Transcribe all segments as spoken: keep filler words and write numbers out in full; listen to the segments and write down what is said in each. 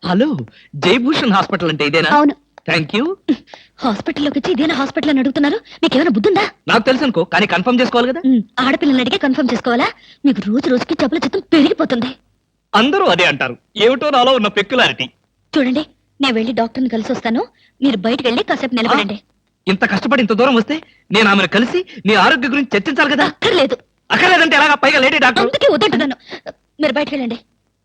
Hello, Jayabhushan hospital అంటే ఇదేనా? అవును. Thank you. హాస్పిటల్లోకి వచ్చి ఇదేనా హాస్పిటల్ అని అడుగుతున్నారు? మీకేమైనా బుద్ధుందా? నాకు తెలుసు అనుకో, కానీ కన్ఫర్మ్ చేసుకోవాలి కదా. ఉమ్, ఆడపిల్లని అడిగే కన్ఫర్మ్ చేసుకోవాలా? మీకు రోజు రోజుకి జబ్బుల చిత్తం పెరిగిపోతుంది. అందరూ అదే అంటారు. ఏమిటో నాలో ఉన్న పెక్యులారిటీ. చూడండి, నేను వెళ్ళి డాక్టర్ని కలిసి వస్తాను. మీరు బయటకు వెళ్ళి కాసేపు నిలబడండి. ఇంత కష్టపడి ఇంత దూరం వస్తే నేను ఆమెను కలిసి నీ ఆరోగ్య గురించి చర్చించాలి కదా. అక్కర్లేదు. అక్కర్లేదంటే ఎలాగా? పైగా లేడీ డాక్టర్. అందుకే వద్దంటున్నాను. మీరు బయటకు వెళ్ళండి.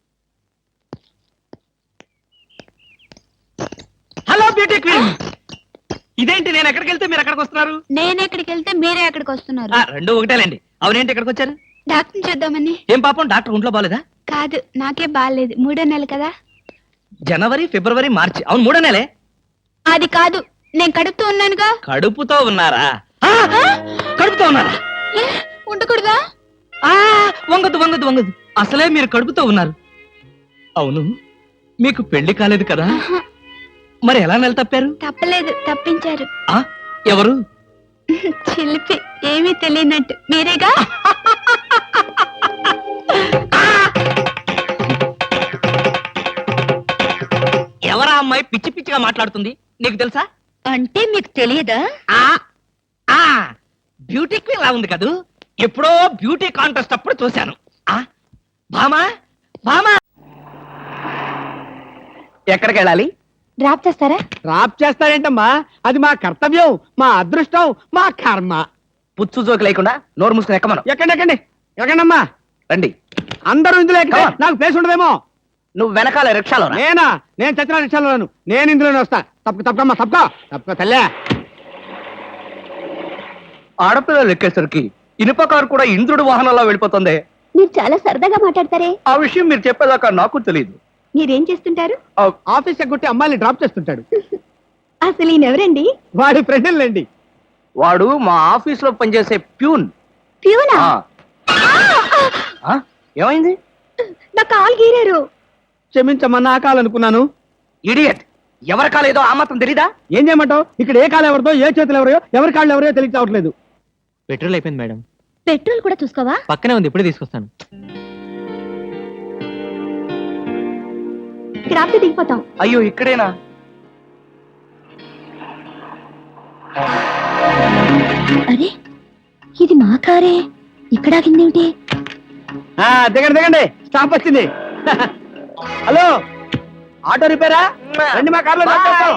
హలో బ్యూటీ క్వీన్, ఇదేంటి నేను ఎక్కడికి వెళ్తే మీరు ఎక్కడికి వస్తున్నారు? నేను ఎక్కడికి వెళ్తే మీరే ఎక్కడికి వస్తున్నారు? ఆ, రెండు ఒకటేలేండి. అవునేంటి ఎక్కడికి వచ్చారు? డాక్టర్ చూద్దామని. ఏం పాపం, డాక్టర్ ఒంట్లో బాలేదా? కాదు, నాకే బాగాలేదు. మూడో నెల కదా. జనవరి, ఫిబ్రవరి, మార్చి. అవును, మూడో నెలే. అది కాదు, నేను కడుపుతూ ఉన్నానుగా. కడుపుతో ఉన్నారా? ఆ, కడుపుతో ఉన్నారా? ఏ, ఉండకూడదా? ఆ, వంగదు వంగదు వంగదు. అసలే మీరు కడుపుతో ఉన్నారు. అవును, మీకు పెళ్లి కాలేదు కదా? మరి ఎలా నెల తప్పారు? తప్పలేదు, తప్పించారు. ఆ, ఎవరు? చిలిపి, ఏమీ తెలియనట్టు. మీరేగా? ఎవరా అమ్మాయి పిచ్చి పిచ్చిగా మాట్లాడుతుంది? నీకు తెలుసా? అంటే మీకు తెలియదా? ఆ ఆ బ్యూటీ క్వీన్ లా ఉంది కదూ. ఎప్పుడో బ్యూటీ కాంటెస్ట్ అప్పుడు చూశాను. ఆ భామా, భామా, ఎక్కడికి వెళ్ళాలి? డ్రాప్ చేస్తారా? డ్రాప్ చేస్తారేంటమ్మా? అది మా కర్తవ్యం, మా అదృష్టం, మా కర్మ. పుచ్చు జోకి లేకుండా నోరు మూసుకుని ఎక్కమను. ఎక్కండి ఎక్కండి ఎక్కండమ్మా. రండి. అందరూ ఇందులో ఎక్కితే నాకు ప్లేస్ ఉండదేమో. నువ్వు వెనకాల రిక్షాలో రా. నేనా? నేను చచ్చిన రిక్షాలోను. నేను ఇందులోనే వస్తా. తప్పక తప్పకమ్మా, తప్పక తప్పక తల్లే. ఆడపిల్లలు ఎక్కేసరికి ఇనుప కారు కూడా ఇంద్రుడి వాహనంలో వెళ్ళిపోతుంది. మీరు చాలా సరదాగా మాట్లాడతారే. ఆ విషయం మీరు చెప్పేదాకా నాకు తెలియదు. మీరేం చేస్తుంటారు? ఆఫీస్ ఎగ్గొట్టి అమ్మాయిని డ్రాప్ చేస్తుంటాడు. అసలు ఈయనెవరండి? వాడి ఫ్రెండ్లండి. వాడు మా ఆఫీస్ లో పనిచేసే ప్యూన్. ప్యూనా? ఆ, ఏమైంది? నా కాలు గీరారు. క్షమించమ్మా, నా కాలనుకున్నాను. ఇడియట్, ఎవరి కాలేదో ఆ మాత్రం తెలీదా? ఏం చేయమంటావు? ఇక్కడ ఏ కాలు ఎవరిదో, ఏ చేతులు ఎవరో, ఎవరి కాళ్ళు ఎవరో తెలియ చావట్లేదు. పెట్రోల్ అయిపోయింది మేడం. పెట్రోల్ కూడా చూసుకోవా? పక్కనే ఉంది, ఇప్పుడే తీసుకొస్తాను. ఇక్కడ ఆపితే దిగిపోతాం. అయ్యో, ఇక్కడేనా? అరే, ఇది మా కారే. ఇక్కడ ఆగిందేమిటి? ఆ, దిగండి దిగండి, స్టాప్ వచ్చింది. హలో, ఆటో రిపేరా? రండి మా కార్లో డ్రాప్ చేస్తాం.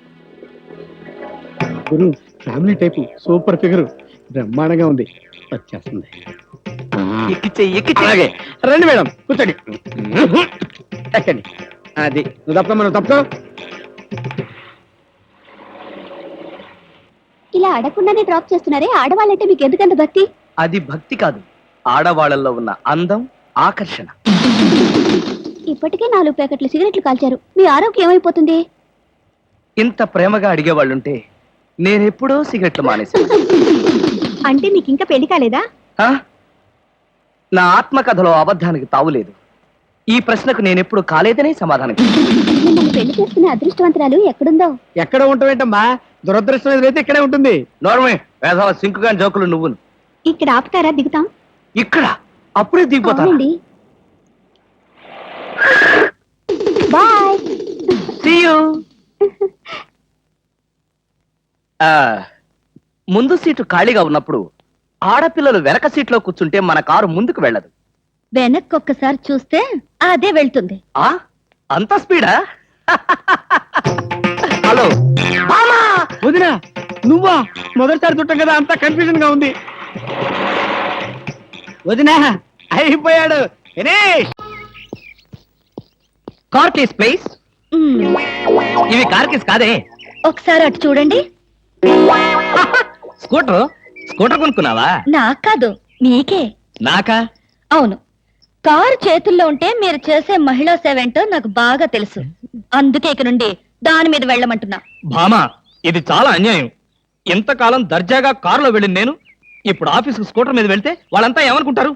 గురు, ఫ్యామిలీ టైపు, సూపర్ ఫిగర్, బ్రహ్మాండంగా ఉంది. వచ్చేస్తుంది. ఎక్కిచ్చే ఎక్కిచ్చే. అలాగే రండి మేడం, కూర్చోండి. ఎక్కండి. అది నువ్వు తప్ప మనం తప్పుకో. ఇలా అడగకుండానే డ్రాప్ చేస్తున్నారే, ఆడవాళ్ళంటే మీకు ఎందుకంత భక్తి? అది భక్తి కాదు, ఆడవాళ్ళల్లో ఉన్న అందం, ఆకర్షణ. ఇప్పటికే నాలుగు ప్యాకెట్లు సిగరెట్లు కాల్చారు. మీ ఆరోగ్యం ఏమైపోతుంది? ఇంత ప్రేమగా అడిగేవాళ్ళుంటే నేనెప్పుడో సిగరెట్లు మానేశాను. అంటే మీకు ఇంకా పెళ్లి కాలేదా? ఆ? నా ఆత్మకథలో అబద్ధానికి తావులేదు. ఈ ప్రశ్నకు నేనెప్పుడు కాలేదనే సమాధానం. మిమ్మల్ని పెళ్లి చేసుకునే అదృష్టవంతరాలు ఎక్కడుందో? ఎక్కడ ఉంటావేంటమ్మా? దురదృష్టం ఎదురైతే ఇక్కడే ఉంటుంది. నోర్మే, వేసవ సింకుగా జోకులు నువ్వును. ఇక్కడ ఆపుతారా? దిగుతాం. ఇక్కడ అప్పుడే దిగిపోతాను. అవునండి. బాయ్. See you. ఆ, ముందు సీటు ఖాళీగా ఉన్నప్పుడు ఆడపిల్లలు వెనక సీట్లో కూర్చుంటే మన కారు ముందుకు వెళ్ళదు. వెనక్కి ఒక్కసారి చూస్తే అదే వెళ్తుంది. ఆ అంత స్పీడా? హలో మామా. వదినా, నువ్వా? మొదటిసారి చుట్టం కదా, అంతా కన్ఫ్యూజన్ గా ఉంది. వదినా, అయిపోయాడు. Car case please. మ్మ్. ఇవి కార్ కేస్ కాదే. ఒకసారి అటు చూడండి. స్కూటర్ స్కూటర్ కొనుక్కున్నావా? నాకు కాదు, మీకే. నాకా? అవును, కారు చేతుల్లో ఉంటే మీరు చేసే మహిళా సేవ ఏంటో నాకు బాగా తెలుసు. అందుకే ఇక నుండి దాని మీద వెళ్ళమంటున్నా. భామా, ఇది చాలా అన్యాయం. ఎంతకాలం దర్జాగా కారులో వెళ్ళింది నేను, ఇప్పుడు ఆఫీస్కి స్కూటర్ మీద వెళ్తే వాళ్ళంతా ఏమనుకుంటారు?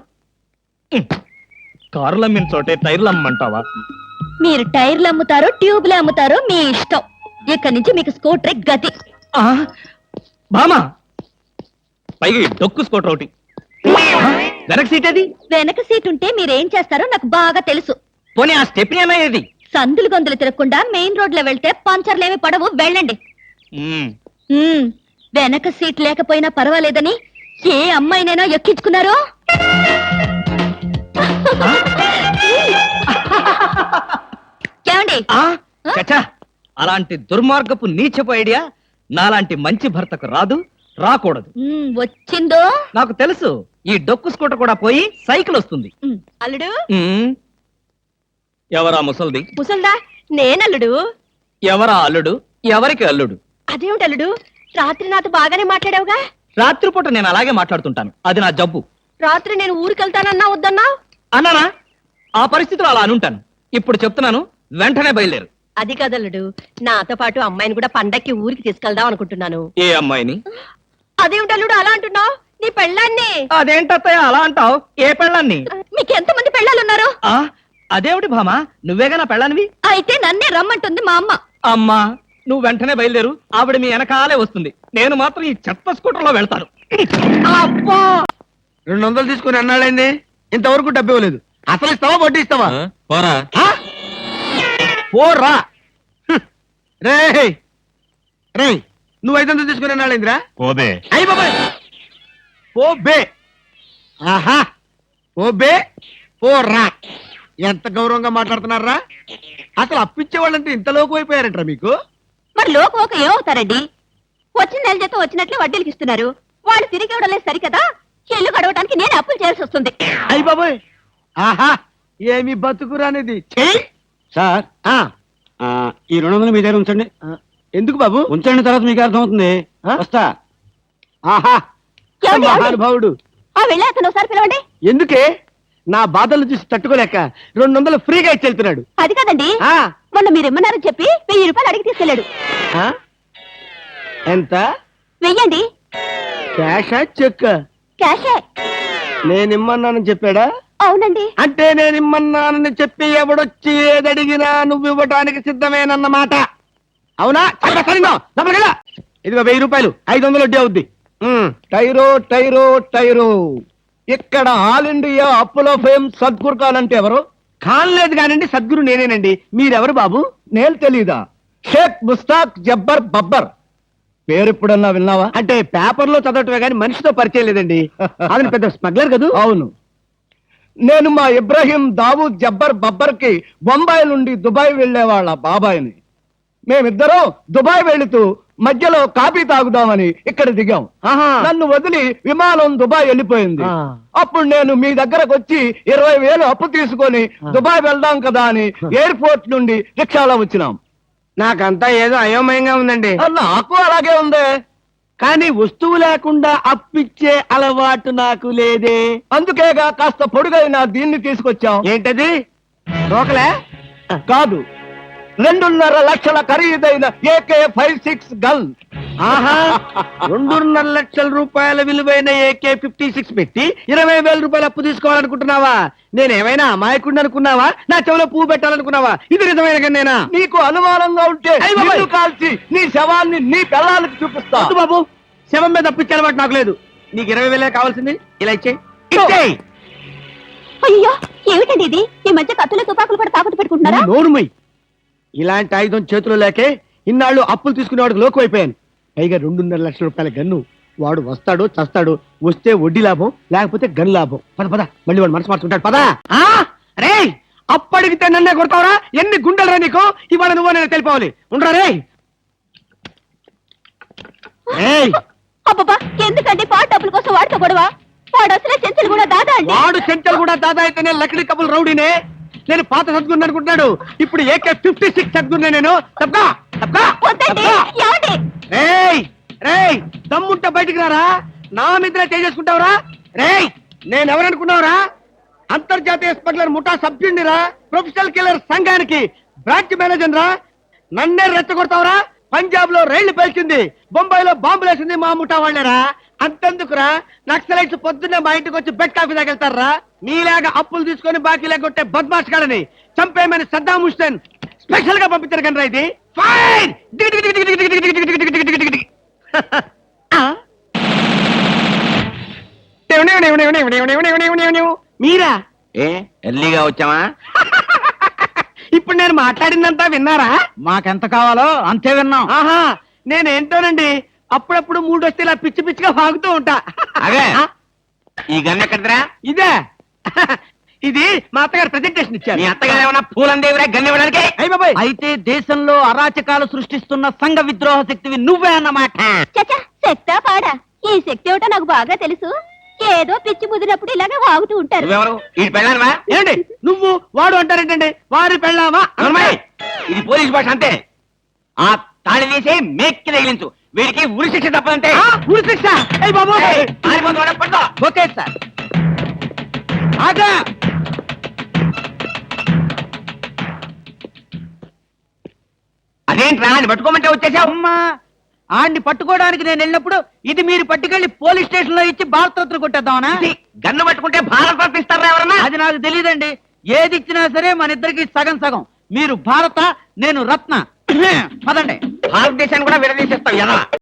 కారులు అమ్మిన చోటే టైర్లు అమ్మంటావా? మీరు టైర్లు అమ్ముతారో ట్యూబ్లు అమ్ముతారో మీ ఇష్టం. ఇక్కడి నుంచి మీకు స్కూటర్ గతి. ఆ, భామా, పైగా ఈ డొక్కు స్కూటర్ ఒకటి. ఆ, వెనక సీట్ అది. వెనక సీట్ ఉంటే మీరేం చేస్తారో నాకు బాగా తెలుసు. పోనీ ఆ స్టెప్ని అనేది సందులు గొంతులు తిరగకుండా మెయిన్ రోడ్ లో వెళ్తే పంచర్లేమి పడవు వెళ్ళండి ఉమ్, ఉమ్, వెనక సీట్ లేకపోయినా పర్వాలేదని ఏ అమ్మాయినైనా ఎక్కించుకున్నారో ఏమండి ఆ, చచ్చా, అలాంటి దుర్మార్గపు నీచపు ఐడియా నాలాంటి మంచి భర్తకు రాదు, రాకూడదు. ఉమ్, వచ్చిందో నాకు తెలుసు, ఈ డొక్కు స్కూటర్ కూడా పోయి సైకిల్ వస్తుంది. ఉమ్, అల్లుడు ఉమ్, ఎవరా ముసల్ది? ముసల్దా నేనల్లుడు ఎవరా అల్లుడు? ఎవరికి అల్లుడు? అదేమిటి అల్లుడు రాత్రి నాతో బాగానే మాట్లాడావుగా రాత్రిపూట నేను అలాగే మాట్లాడుతుంటాను, అది నా జబ్బు. రాత్రి నేను ఊరికెళ్తానన్నా వద్దన్నా అన్నానా? ఆ పరిస్థితిలో అలా అనుంటాను. ఇప్పుడు చెప్తున్నాను, వెంటనే బయలుదేరు. అది కదల్లుడు నాతో పాటు అమ్మాయిని కూడా పండక్కి ఊరికి తీసుకెళ్దాం అనుకుంటున్నాను ఏ అమ్మాయిని? అదేమిటి అల్లుడు అలా అంటున్నావు నీ పెళ్ళాన్ని అదేంటత్తయ్య అలా అంటావు? ఏ పెళ్ళాన్ని? మీకు ఎంతమంది పెళ్ళాలున్నారు ఆ, అదేమిటి భామా, నువ్వేగా నా పెళ్ళానివి? అయితే నన్నే రమ్మంటుంది మా అమ్మ అమ్మా, నువ్వు వెంటనే బయలుదేరు, ఆవిడ మీ వెనకాలే వస్తుంది. నేను మాత్రం ఈ చెత్త స్కూటర్ లో వెళ్తాను. అబ్బా రెండు వందలు తీసుకుని అన్నాళ్ళైంది, ఇంతవరకు డబ్బు ఇవ్వలేదు. అసలు ఇస్తావా వడ్డీ ఇస్తావా? పోరా. ఆ? పోరా హ్మ్. రేయ్ రేయ్ నువ్వు ఐదు వందలు తీసుకుని అన్నాళ్ళైందిరా? పోబే. అయ్యి బాబాయ్ పో బే. ఆహా ఓ బే పోరా. ఎంత గౌరవంగా మాట్లాడుతున్నారా? అసలు అప్పిచ్చే వాళ్ళంటే ఇంత లోకు అయిపోయారంటారా మీకు? మరి లోకం ఒక ఏమవుతారండి వచ్చిన నెల జీతం వచ్చినట్లు వడ్డీలకి ఇస్తున్నారు వాళ్ళు తిరిగి ఇవ్వడం లేదు సరికదా ఇల్లు గడవడానికి నేను అప్పులు చేయాల్సి వస్తుంది అయ్యి బాబాయ్ ఆహా ఏమి బతుకురానిది. చెయ్ సార్ ఆ, ఆ, ఈ రెండు వందలు మీ దగ్గర ఉంచండి. ఆ, ఎందుకు బాబు? ఉంచండి, తర్వాత మీకు అర్థమవుతుంది. ఆ? వస్తా. ఆహా ఏమండి, ఏమండి? మహానుభావుడు. ఆ వెళ్ళి అతను ఒకసారి పిలవండి ఎందుకే? నా బాధలు చూసి తట్టుకోలేక రెండు వందలు ఫ్రీగా ఇచ్చి వెళ్తున్నాడు. అది కదండి ఆ, మొన్న మీరు ఇమ్మన్నారని చెప్పి వెయ్యి రూపాయలు అడిగి తీసుకెళ్ళాడు ఆ? ఎంత? వెయ్యండి క్యాషా చెక్? క్యాషే నేనిమ్మన్నానని చెప్పాడా? అవునండి అంటే నేనిమ్మన్నానని చెప్పి ఎవడొచ్చి ఏదడిగినా నువ్వు ఇవ్వటానికి సిద్ధమేనన్నమాట. అవునా? చాలా సరిగ్గా. లోపలికెళ్ళు. ఇదిగో వెయ్యి రూపాయలు, ఐదు వందలు వడ్డీ అవుద్ది. ఉమ్, టైరో టైరో టైరో ఇక్కడ ఆల్ ఇండియా అప్పులో ఫేమ్ సద్గురు ఖాన్ అంటే ఎవరు? ఖాన్ లేదు కానండి, సద్గురు నేనేనండి. మీరెవరు బాబు? నేను తెలీదా? షేక్ ముస్తాక్ జబ్బర్ బబ్బర్. పేరు ఎప్పుడన్నా విన్నావా? అంటే పేపర్లో చదవటమే కానీ మనిషితో పరిచయం లేదండి. అది పెద్ద స్మగ్లర్ కదా? అవును. నేను మా ఇబ్రాహీం దావూద్ జబ్బర్ బబ్బర్ కి బొంబాయి నుండి దుబాయ్ వెళ్లే వాళ్ళ బాబాయిని. మేమిద్దరం దుబాయ్ వెళుతూ మధ్యలో కాఫీ తాగుదామని ఇక్కడ దిగాం. నన్ను వదిలి విమానం దుబాయ్ వెళ్ళిపోయింది. అప్పుడు నేను మీ దగ్గరకు వచ్చి ఇరవై వేలు అప్పు తీసుకొని దుబాయ్ వెళ్దాం కదా అని ఎయిర్పోర్ట్ నుండి రిక్షాలో వచ్చినాం. నాకంతా ఏదో అయోమయంగా ఉందండి. నాకు అలాగే ఉంది. కానీ వస్తువు లేకుండా అప్పిచ్చే అలవాటు నాకు లేదే. అందుకేగా కాస్త పొడుగైన దీన్ని తీసుకొచ్చాం. ఏంటది? రోకలే కాదు, రెండున్నర లక్షల ఖరీదైన ఏకే ఫైవ్ సిక్స్ గన్. ఆహా, రెండున్నర లక్షల రూపాయల విలువైన ఏకే ఫిఫ్టీ సిక్స్ పెట్టి ఇరవై వేల రూపాయలు అప్పు తీసుకోవాలనుకుంటున్నావా? నేనేమైనా అమాయకుడిని అనుకున్నావా? నా చెవిలో పువ్వు పెట్టాలనుకున్నావా? ఇది నిజమైన గన్నేనా? నీకు అనుమానంగా ఉంటే నిన్ను కాల్చి నీ శవాన్ని నీ పిల్లలకి చూపిస్తా. వద్దు బాబు, శవం మీద అప్పిచ్చే అలవాటు నాకు లేదు. నీకు ఇరవై వేలే కావాల్సింది, ఇలా ఇచ్చేయి. ఇచ్చేయి. అయ్యో ఏమిటండి ఇది ఈ మధ్య కత్తులు తుపాకులు కూడా తాకట్టు పెట్టుకుంటున్నారా నోరుమై. ఇలాంటి ఆయుధం చేతిలో లేకే ఇన్నాళ్ళు అప్పులు తీసుకునేవాడికి లోకు అయిపోయాను. పైగా రెండున్నర లక్షల రూపాయల గన్ను. వాడు వస్తాడు చస్తాడు, వస్తే వడ్డీ లాభం, లేకపోతే గన్ లాభం. పద పద, మళ్ళీ వాడు మనసు మార్చుకుంటాడు. పదా. రే అప్పడిగితే నన్నే కొడతావరా? ఎన్ని గుండెలరా నీకు? ఇవాళ నువ్వు నేను తెలిపోవాలి. ఉండరా రే. ఏయ్, అబ్బబ్బా ఎందుకండి పాట డబ్బుల కోసం వాడుతో గొడవ వాడు అసలే చెంచలు కూడా దాదా అండి వాడు చెంచలు కూడా దాదా అయితేనే లక్కడి కబుల్ రౌడీనే. నేను పాత సద్గురు అనుకుంటున్నాడు. ఇప్పుడు ఏకే ఫిఫ్టీ సిక్స్ సద్గురునే నేను. తప్పా తప్పా వద్దండి ఏమండి రేయ్ రేయ్, దమ్ముంటే బయటికి రారా. నా మీద చేసుకుంటావురా? రేయ్, నేనెవరనుకున్నావురా? అంతర్జాతీయ స్మగ్లర్ ముఠా సభ్యుడిరా, ప్రొఫెషనల్ కిల్లర్ సంఘానికి బ్రాంచ్ మేనేజర్ రా. నన్నే రెచ్చగొడతావురా? పంజాబ్ లో రైళ్లు పేల్చింది, బొంబాయిలో బాంబులు వేసింది మా ముఠా వాళ్ళరా. అంతెందుకురా, నక్సలైట్స్ పొద్దున్నే మా ఇంటికి వచ్చి బెడ్ కాఫీ తాగెళ్తారా? మీలాగా అప్పులు తీసుకొని బాకీ లేకొట్టే బద్మాష్ కాడని చంపేయమని సద్దాం హుస్సేన్ స్పెషల్ గా పంపించారు కనరా. ఇది ఫైన్. మీరా? ఏ ఎర్లీగా వచ్చావా? ఇప్పుడు నేను మాట్లాడిందంతా విన్నారా? మాకెంత కావాలో అంతే విన్నాం. ఆహా నేనేంటోనండి అప్పుడప్పుడు మూడు వస్తే ఇలా పిచ్చి పిచ్చిగా వాగుతూ ఉంటా. అదే. ఆ, ఈ గన్ ఎక్కడరా? ఇదే ఇది మా అత్తగారు ప్రెజెంటేషన్ ఇచ్చారు. మీ అత్తగారు ఏమన్నా పూలందేవిరా గన్ ఇవ్వడానికి? అయ్య బాబాయ్, అయితే దేశంలో అరాచకాలు సృష్టిస్తున్న సంఘ విద్రోహ శక్తివి నువ్వే అన్నమాట. చచ్చా శక్తా పాడా ఈ శక్తి ఏమిటో నాకు బాగా తెలుసు. ఏదో పిచ్చి ముదిరినప్పుడు ఇలాగే వాగుతూ ఉంటారు. నువ్వెవరు? ఈ పెళ్ళానవా? ఏంటి నువ్వు వాడు అంటారేంటండి? వారి పెళ్ళామా? నోర్మయ్! ఇది పోలీస్ భాష అంతే. ఆ తాళి తీసి మేక్కి తగిలించు. వీడికి ఉరి శిక్ష తప్పదంటే. ఆ, ఉరి శిక్ష. అయ్య బాబు, ఏయ్, పారిపోతు వాడు, పట్టుకో. Okay sir. ఆగా అదేంట్రా అని పట్టుకోమంటే వచ్చేసావు? అమ్మా ఆడిని పట్టుకోవడానికి నేను వెళ్ళినప్పుడు ఇది మీరు పట్టుకెళ్లి పోలీస్ స్టేషన్ లో ఇచ్చి భారతరత్న కొట్టేద్దామనా? ఇది గన్ను పట్టుకుంటే భారత రత్న ఇస్తారా ఎవరన్నా? అది నాకు తెలియదండి. ఏది ఇచ్చినా సరే మన ఇద్దరికి సగం సగం. మీరు భారత, నేను రత్న. పదండి. భారతదేశాన్ని కూడా విడదీసేస్తావు ఎదవా.